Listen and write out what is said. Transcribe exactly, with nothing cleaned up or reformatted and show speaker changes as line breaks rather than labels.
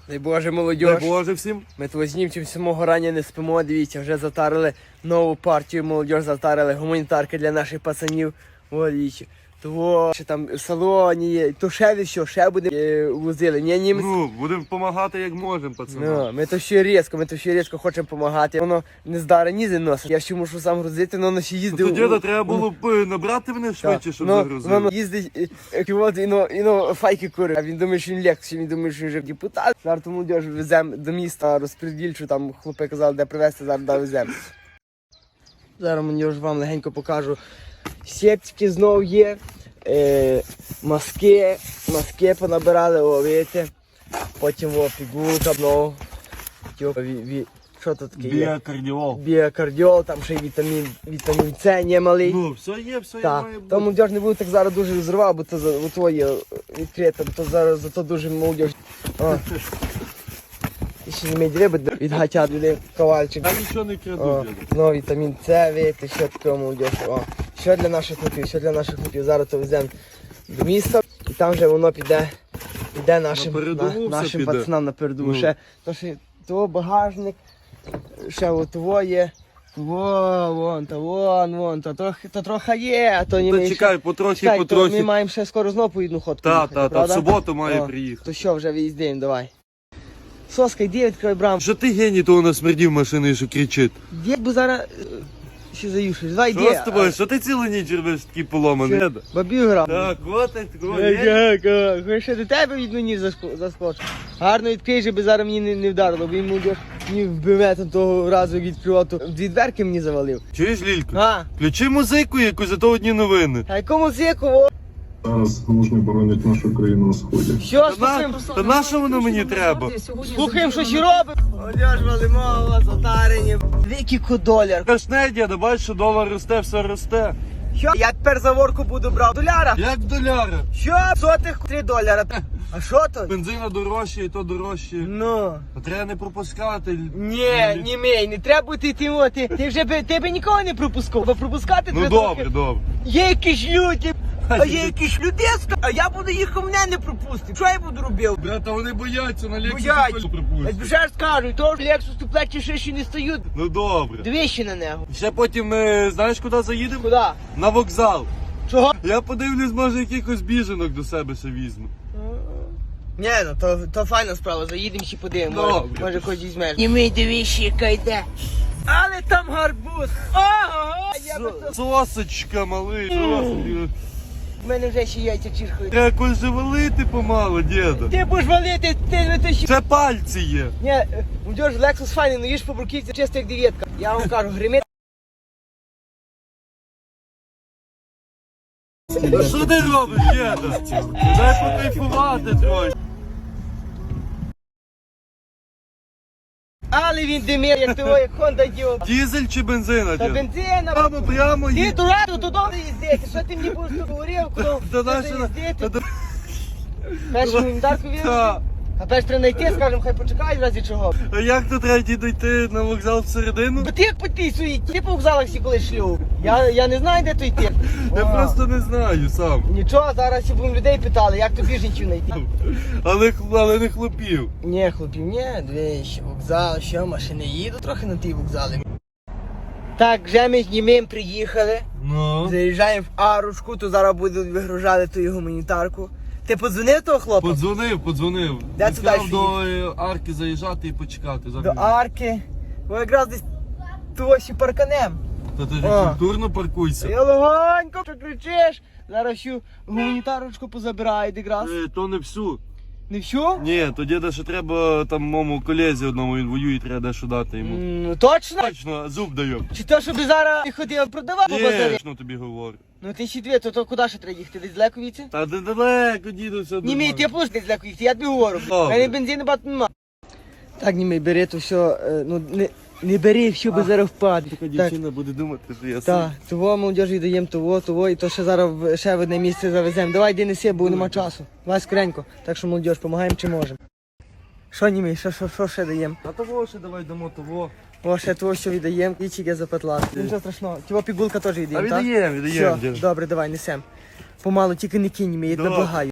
Дай Боже, молодь.
Дай Боже всім.
Ми тут з німцем самого рання не спимо, дивіться, вже затарили нову партію, молодь затарили гуманітарки для наших пацанів. О, дивіться. Того, що там в салоні є, то ще від що, ще буде е, возили. Ні, німець.
Ну, будемо допомагати як можемо, пацани.
Ну, ми то ще різко, ми то ще різко хочемо допомагати. Воно не здаре нізи носить. Я ще мушу сам грузити, але воно ще їздив.
Ну, то діда треба було б е, набрати мене швидше, щоб
ну,
загрузили.
Воно їздить, е, ківот, і ну, і ну, файки курить. А він думає, що він легкий, він думає, що він вже депутат. Зараз ту молодіж веземо до міста, розпредільчу, там хлопці казали, де привезти, зараз да веземо. Зараз молодіж вам легенько покажу. Септики знов є. Е, маски, маски понабирали, о, видите. Потім о, пігулка, ну, що тут таке є?
Біокардіол.
Біокардіол, там ще й вітамін, вітамін С немалий.
Ну, все є, все є,
Так,
має бути.
то молодіж не буду так зараз дуже зривав, бо то, за- бо то є відкрито, бо то зараз зато дуже молодіж. О. І ще не меді риби від гатят, від ковальчик.
Я нічого не
О,
краду, діда.
ну, вітамін С, видите, що таке молодіж. О, що для наших хлопів, що для наших хлопів. Зараз то веземо до міста, і там вже воно піде, піде нашим,
На передову
на,
все
нашим
піде.
пацанам на передову.
Ну.
Ще, то, що, то багажник, ще от твоє, во, вон, то вон, вон, то, то, то трохи є, а то не
Та
ми
чекай,
ще-
потрохи,
чекай, то
потрохи.
ми маємо ще скоро знову по одну ходку
Та,
їхати,
та, та, в
правда?
суботу має
О,
приїхати.
То що, вже виїздимо, давай. Соска, йди, відкрой браму.
Що ти геній того насмердів машини, що кричить?
Дід би зараз е, ще заюшиш. Давай,
Що
йди.
з тобою? Що ти цілу ніч робиш такий поломаний? Деда?
Бабів грав.
Так, котик, такого
Як,
є.
як, як. Хоч ще до тебе від мені заско- заскочив. Гарно відкрий, щоб зараз мені не, не вдарило, бо він молодіж мені вбиве там того разу, як відкривав, то дві дверки мені завалив.
Чуєш, Лілько?
А,
Включи музику якусь, зато одні новини.
а якому зіку, о,
Зараз мужні боронять нашу країну на сході.
що
Та,
слухаємо?
на, та на що воно мені треба?
Слухаємо, що ще робимо. Молодіж валимо, затарені. Віки кудоляр.
Кашне, діда, бачиш, що долар росте, все росте.
Що? Я тепер за ворку буду брав доляра.
Як доляра?
Що? Сотих три доляра. А що то?
Бензина дорожче і то дорожче.
Ну.
А треба не пропускати.
Ні, ні мій, не треба бути тим, о, ти, ти вже би, ти би нікого не пропускав, бо пропускати
Ну
треба
добре, добре.
Є якісь люди, а є якісь людеска, а я буду їх, мене не пропустити. Що я буду робив?
Брата, вони бояться, на
Бояться.
Лексусі
Як
пропустять.
вже ж скажу, то ж Лексус тут плечі ще ще не стають.
Ну добре.
Двічі на нього.
Ще потім ми, знаєш, куди заїдемо?
Куди?
На вокзал.
Чого?
Я подивлюсь, може якихось біженок до себе ще візьму.
Ні, ну то, то файна справа, заїдемо ще подивимо, може,
Добре.
може когось візьмеш. І ми дивіться, яка йде. Але там гарбуз. Ого! Я би то...
Сосочка, малий, сосочка.
В мене вже ще яйця чіркають.
Треба когось же валити помало, діда.
Ти будеш валити, ти не то ще...
Це пальці є.
Ні, молодіж, Лексус файний, ну їж по бруківці, чисто як дев'ятка. Я вам кажу, гримить.
Що ти робиш, діда? Дай покайфувати трохи.
Але він димір, як того, як Honda Діо.
Дізель чи бензина,
Та
діда?
бензина.
Прямо, прямо
Ти
їй.
дурак, додому їздити. Що ти мені будеш тут говорив, куди
Та
куди
наша...
їздити? Першу гуманітарку віриш?
Та.
А перш треба знайти, скажемо, хай почекають в разі чого.
А як тут треба дійти на вокзал всередину?
Бо ти як по тій суї, ти по вокзалах всі коли шлюб. Я, я не знаю, де то йти.
Я
О,
просто не знаю сам.
Нічого, зараз всі будемо людей питали, як тобі жінчів знайти.
Але, але не хлопів.
Ні, хлопів, ні, двічі, вокзал, що, машини їду трохи на ті вокзали. Так, вже ми з німим приїхали,
Ну.
заїжджаємо в Арушку, то зараз будуть вигружати ту гуманітарку. Ти подзвонив того хлопа?
Подзвонив, подзвонив.
Де
Він
ти
сказав
далі
до е, арки заїжджати і почекати.
До
Зараз.
арки. Бо якраз десь ту ось і парканем.
Та ти ж
О.
культурно паркуйся.
Я легонько, що кричиш. Зараз всю гуманітарочку позабирають якраз.
Е, то не всю.
Не всю?
Ні, то діда ще треба там моєму колезі одному, він воює, треба дещо дати йому.
М, Ну точно?
Точно, зуб даю.
Чи то, щоб зараз ти ходив продавав по базарі?
Точно тобі говорю.
Ну ти ще дві, то, то куди ще треба їхати? Десь далеко віці?
Та ти далеко, діду, все
Ні, мій, ти пусти десь далеко їхати, я тобі говорю.
Добре.
Мене бензину багато нема. Так, німей, бери то все, е, ну не, не бери, що би зараз впаде.
Така
Так,
дівчина буде думати, що я
так,
сам.
того молодіжі даємо, того, того, і то ще зараз в- ще в одне місце завеземо. Давай, йди неси, бо нема часу. Давай скоренько. Так що молодіж, допомагаємо чи можемо. Що німей, що, що, що ще даємо?
А того ще давай дамо того.
О, ще того, що віддаємо, і чіки запетла. Нічого страшного. Тього пігулка теж
А
віддаємо, так?
віддаємо, віддаємо,
Все,
діду.
добре, давай, несем. Помалу, тільки не кинь мені, я тебе
Добре.
благаю.